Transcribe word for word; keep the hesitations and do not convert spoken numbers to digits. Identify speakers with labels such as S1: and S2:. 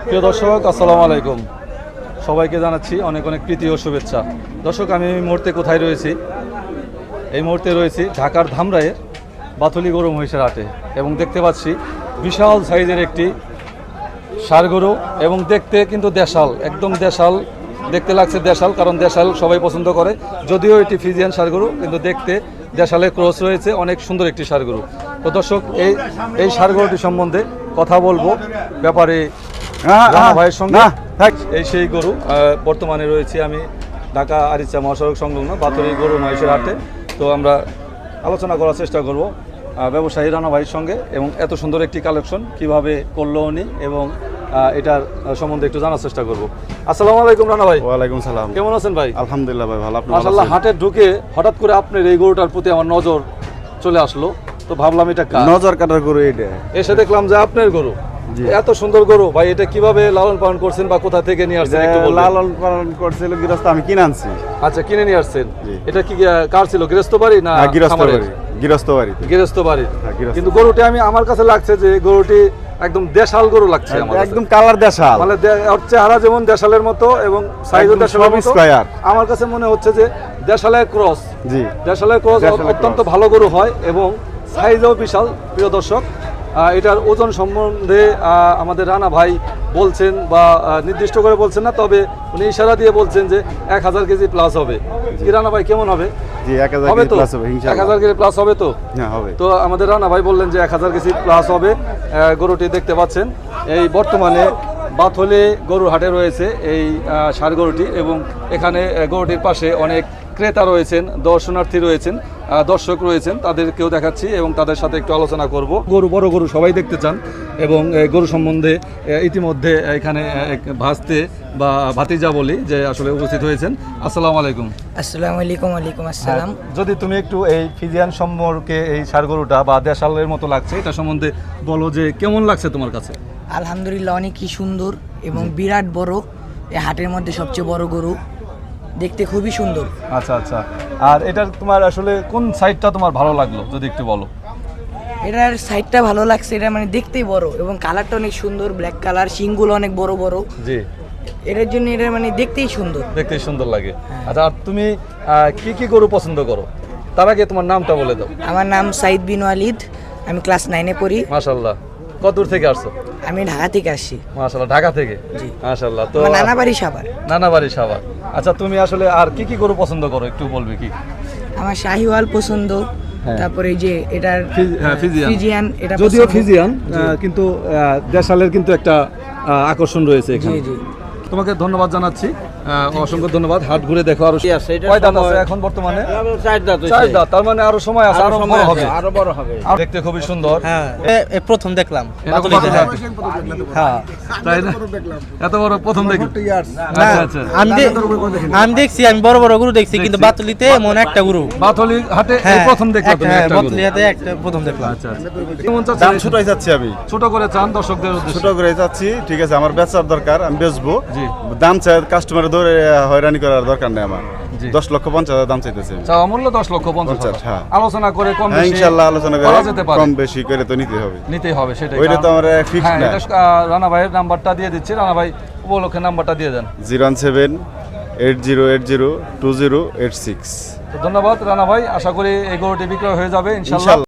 S1: প্রিয় দর্শক, আসসালামু আলাইকুম। সবাইকে জানাচ্ছি অনেক অনেক প্রীতি ও শুভেচ্ছা। দর্শক, আমি এই মুহূর্তে কোথায় রয়েছি? এই মুহূর্তে রয়েছি ঢাকার ধামরাইয়ের বাথুলি গরু মহিষের হাটে এবং দেখতে পাচ্ছি বিশাল সাইজের একটি ষাঁড় গরু এবং দেখতে কিন্তু দেশাল, একদম দেশাল দেখতে লাগছে। দেশাল কারণ দেশাল সবাই পছন্দ করে, যদিও এটি ফিজিয়ান ষাঁড় গরু, কিন্তু দেখতে দেশালের ক্রস রয়েছে। অনেক সুন্দর একটি ষাঁড় গরু। তো দর্শক, এই এই ষাঁড় গরুটি সম্বন্ধে কথা বলবো ব্যাপারে রানা ভাইয়ের সঙ্গে। এই সেই গরু, বর্তমানে রয়েছে আমি ঢাকা আরিচা মহাসড়ক সংলগ্ন বাথুলি গরু মহিষের হাটে। তো আমরা আলোচনা করার চেষ্টা করব ব্যবসায়ী রানা ভাইয়ের সঙ্গে এবং এত সুন্দর একটি কালেকশন কিভাবে করলো উনি এবং এটার সম্বন্ধে একটু জানার চেষ্টা করব। আসসালামু আলাইকুম রানা ভাই।
S2: ওয়ালাইকুম সালাম।
S1: কেমন আছেন ভাই?
S2: আলহামদুলিল্লাহ ভাই, ভালো। আপনি?
S1: মাশাআল্লাহ। হাটে ঢুকে হঠাৎ করে আপনার এই গরুটার প্রতি আমার নজর চলে আসলো, তো ভাবলাম এটা কার
S2: নজর কাটার গরু এটা।
S1: এসে দেখলাম যে আপনার গরু, এত সুন্দর গরু। ভাই এটা কিভাবে লালন পালন করছেন বা কোথা থেকে নিয়ে আসছেন একটু বলবেন?
S2: লালন পালন করছিল গৃহস্থ, আমি কিনে আনছি।
S1: আচ্ছা, কিনে নিয়ে আসছেন। এটা কি কার ছিল? গৃহস্থ বাড়ি না
S2: গৃহস্থ বাড়ি? গৃহস্থ বাড়ি।
S1: গৃহস্থ বাড়ি। কিন্তু গরুটি আমি আমার কাছে লাগছে যে গরুটি একদম দেশাল গরু লাগছে আমার,
S2: একদম কালার দেশাল,
S1: মানে চেহারা যেমন দেশালের মতো এবং সাইজও দেশালের মতো। আমার কাছে মনে হচ্ছে যে দেশালের ক্রস। জি, দেশালের ক্রস অত্যন্ত ভালো গরু হয় এবং সাইজও বিশাল। প্রিয় দর্শক, এটার ওজন সম্বন্ধে আমাদের রানা ভাই বলছেন বা নির্দিষ্ট করে বলছেন না, তবে উনি ইশারা দিয়ে বলছেন যে এক হাজার কেজি প্লাস হবে। কি রানা ভাই, কেমন হবে?
S2: হবে তো?
S1: এক হাজার কেজি প্লাস হবে তো? তো আমাদের রানা ভাই বললেন যে এক হাজার কেজি প্লাস হবে। গরুটি দেখতে পাচ্ছেন এই বর্তমানে বাথুলি গরুর হাটে রয়েছে এই ষাঁড় গরুটি এবং এখানে গরুটির পাশে অনেক ক্রেতা রয়েছেন, দর্শনার্থী রয়েছেন, দর্শক রয়েছেন, তাদেরকেও দেখাচ্ছি এবং তাদের সাথে একটু আলোচনা করব। গরু বড় গরু সবাই দেখতে চান এবং গরু সম্বন্ধে ইতিমধ্যে এখানে ভাসতে বা ভাতিজা বলি যে আসলে উপস্থিত হয়েছেন। আসসালামু আলাইকুম।
S3: আসসালামু আলাইকুম। ওয়ালাইকুম আসসালাম।
S1: যদি তুমি একটু এই ফিজিয়ান সম্পর্কে, এই ষাঁড় গরুটা বা দেশালের মতো লাগছে, এটা সম্বন্ধে বলো যে কেমন লাগছে তোমার কাছে?
S3: আলহামদুলিল্লাহ, অনেকই সুন্দর এবং বিরাট বড়। এই হাটের মধ্যে সবচেয়ে বড় গরু, দেখতে খুবই সুন্দর।
S1: আচ্ছা আচ্ছা। আর এটার তোমার আসলে কোন সাইডটা তোমার ভালো লাগলো যদি একটু বলো?
S3: এটার সাইডটা ভালো লাগছে, এটা মানে দেখতেই বড় এবং কালারটা অনেক সুন্দর, ব্ল্যাক কালার, শিংগুলো অনেক বড় বড়। জি, এটার জন্য এটা মানে দেখতেই সুন্দর,
S1: দেখতেই সুন্দর লাগে। আচ্ছা, আর তুমি কি কি গরু পছন্দ করো? তার আগে তোমার নামটা বলে দাও।
S3: আমার নাম সাইদ বিন ওয়ালিদ, আমি ক্লাস নাইনে পড়ি।
S1: মাশাআল্লাহ। কত দূর থেকে আসছো?
S3: আমি ঢাকা থেকে আসছি।
S1: মাশাআল্লাহ, ঢাকা থেকে? জি। মাশাআল্লাহ। তো
S3: নানা বাড়ি সাভার।
S1: নানা বাড়ি সাভার। আচ্ছা, তুমি আসলে আর কি কি গরু পছন্দ করো একটু বলবে কি?
S3: আমার শাহিওয়াল পছন্দ, তারপরে যে এটার ফিজিয়ান, এটা
S1: যদিও ফিজিয়ান কিন্তু দেশালের কিন্তু একটা আকর্ষণ রয়েছে এখানে। জি জি, তোমাকে ধন্যবাদ জানাচ্ছি, অসংখ্য ধন্যবাদ। হাট ঘুরে দেখো। আরো কয় দাঁত আছে এখন বর্তমানে? চার দাঁত। চার দাঁত, তার মানে আরো সময় আছে, আরো বড় হবে, আরো বড় হবে। দেখতে খুবই সুন্দর।
S4: হ্যাঁ, এই প্রথম দেখলাম।
S1: হ্যাঁ, তাই না? এত বড় প্রথম দেখি।
S4: আচ্ছা আচ্ছা। আমি আমি দেখছি, আমি বড় বড় গরু দেখছি, কিন্তু বাতুলিতে এমন একটা গরু,
S1: বাতুলি হাটে এই প্রথম দেখলাম। তুমি একটা গরু
S4: বাতুলি হাটে একটা প্রথম দেখলাম।
S1: আচ্ছা আচ্ছা। কেমন চাচ্ছেন?
S2: দাম ছোটই চাচ্ছি আমি।
S1: ছোট করে চান দর্শকদের উদ্দেশ্যে?
S2: ছোট করে চাচ্ছি, ঠিক আছে। আমার বেচার দরকার, আমি বেচবো। জি, দাম চাই, কাস্টমারের ধরে হয়রানি করার দরকার নেই আমার। দশ লক্ষ পঞ্চাশ হাজার দাম চাইতেছে।
S1: চাওয়া মূল্য দশ লক্ষ পঞ্চাশ হাজার। হ্যাঁ, আলোচনা করে কম বেশি,
S2: ইনশাআল্লাহ আলোচনা করে কম বেশি করে তো নিতে হবে, নিতেই হবে। সেটাই, ওইটা তো আমরা ফিক্স না।
S1: রানা ভাইয়ের নাম্বারটা দিয়ে দিচ্ছি। রানা ভাই উপলক্ষে নাম্বারটা দিয়ে দেন।
S2: Zero one seven eight zero eight zero two zero eight six.
S1: ধন্যবাদ রানা ভাই, আশা করি এই গরুটি বিক্রয় হয়ে যাবে ইনশাআল্লাহ।